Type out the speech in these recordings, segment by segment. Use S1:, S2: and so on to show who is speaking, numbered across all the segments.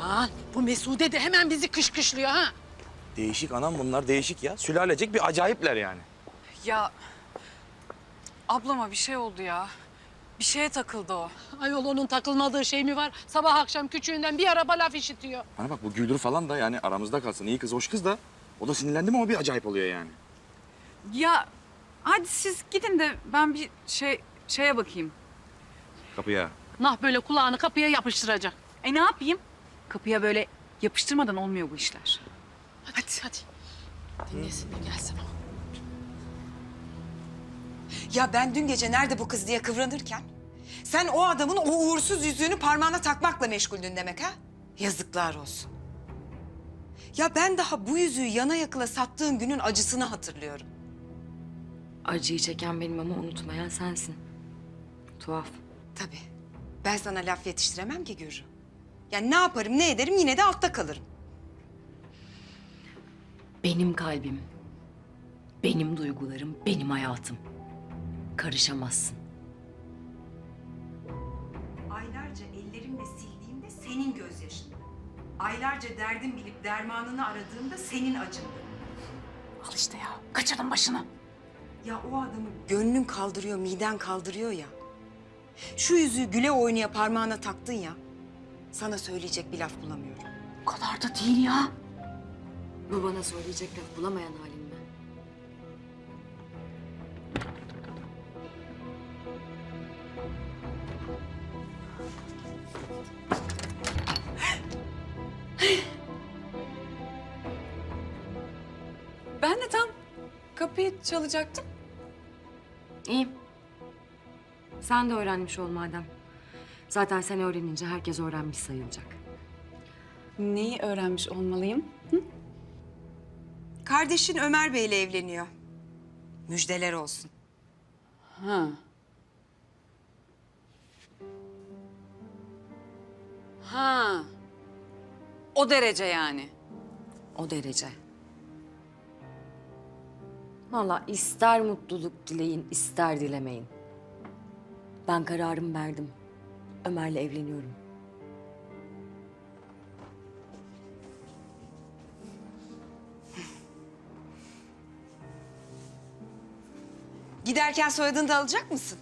S1: Aman bu Mesude de hemen bizi kışkışlıyor ha.
S2: Değişik anam bunlar değişik ya. Sülalecek bir acayipler yani.
S3: Ya ablama bir şey oldu ya. Bir şeye takıldı o.
S1: Ayol onun takılmadığı şey mi var? Sabah akşam küçüğünden bir araba laf işitiyor.
S2: Bana bak bu Güldür falan da yani aramızda kalsın. İyi kız, hoş kız da. O da sinirlendi mi o bir acayip oluyor yani.
S3: Ya hadi siz gidin de ben bir şeye bakayım.
S2: Kapıya.
S1: Nah böyle kulağını kapıya yapıştıracak.
S3: Ne yapayım? Kapıya böyle yapıştırmadan olmuyor bu işler.
S1: Hadi. Dinlesin de gelsin o.
S4: Ya ben dün gece nerede bu kız diye kıvranırken... ...sen o adamın o uğursuz yüzüğünü parmağına takmakla meşguldün demek ha? Yazıklar olsun. Ya ben daha bu yüzüğü yana yakıla sattığın günün acısını hatırlıyorum.
S5: Acıyı çeken benim ama unutmayan sensin. Tuhaf.
S4: Tabii. Ben sana laf yetiştiremem ki Gürrü. Yani ne yaparım ne ederim yine de altta kalırım.
S5: Benim kalbim, benim duygularım, benim hayatım. Karışamazsın.
S4: Aylarca ellerimle sildiğimde senin gözyaşındı. Aylarca derdim bilip dermanını aradığımda senin acındı.
S1: Al işte ya. Kaçırın başını.
S4: Ya o adamı gönlün kaldırıyor, miden kaldırıyor ya. Şu yüzüğü güle oynaya parmağına taktın ya. Sana söyleyecek bir laf bulamıyorum.
S1: O kadar da değil ya.
S5: Bu bana söyleyecek laf bulamayan halim mi?
S3: Ben de tam kapıyı çalacaktım.
S5: İyi. Sen de öğrenmiş ol madem. Zaten sen öğrenince herkes öğrenmiş sayılacak.
S3: Neyi öğrenmiş olmalıyım?
S4: Kardeşin Ömer Bey'le evleniyor. Müjdeler olsun.
S3: Ha. Ha. O derece yani.
S5: O derece. Vallahi ister mutluluk dileyin, ister dilemeyin. Ben kararımı verdim. Ömer'le evleniyorum.
S4: Giderken soyadını da alacak mısın?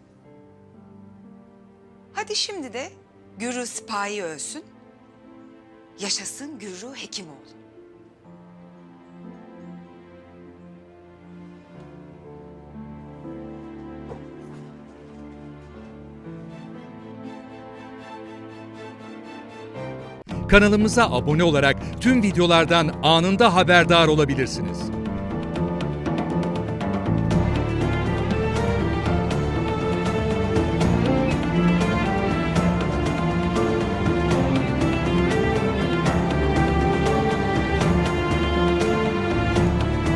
S4: Hadi şimdi de Gürrü Sipahi ölsün. Yaşasın Gürrü Hekimoğlu.
S6: Kanalımıza abone olarak tüm videolardan anında haberdar olabilirsiniz.